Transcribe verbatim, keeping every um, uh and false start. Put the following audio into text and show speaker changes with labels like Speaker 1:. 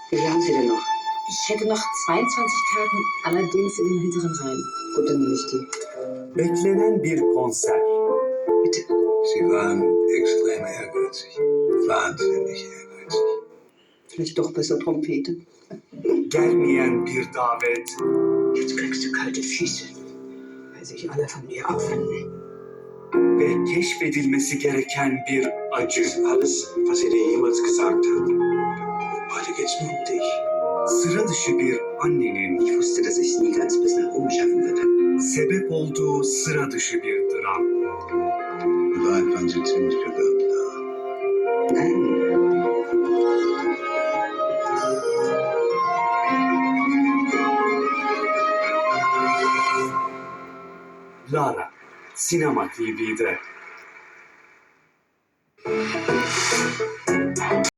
Speaker 1: Wie viel haben Sie denn noch?
Speaker 2: Ich hätte noch zweiundzwanzig Karten, allerdings in den hinteren Reihen.
Speaker 1: Gut, dann nehme ich die.
Speaker 3: Beklenen bir konser.
Speaker 1: Bitte.
Speaker 4: Sie waren extrem ehrgeizig. Wahnsinnig ehrgeizig.
Speaker 1: Vielleicht doch besser Trompete.
Speaker 3: Gelmeyen bir davet.
Speaker 1: Jetzt kriegst du kalte Füße, weil sich alle von dir abwenden.
Speaker 3: Ve keşfedilmesi gereken bir acı.
Speaker 4: Alles, was sie dir jemals gesagt hat. Heute geht's nur um dich.
Speaker 3: Sıra dışı bir annenin
Speaker 1: Ich wusste, dass ich es nie ganz bis nach oben schaffen würde.
Speaker 3: sebep olduğu sıra dışı bir dram.
Speaker 4: Vielleicht waren sie ziemlich begabt da.
Speaker 1: Nein.
Speaker 3: Lara, Sinema T V'de.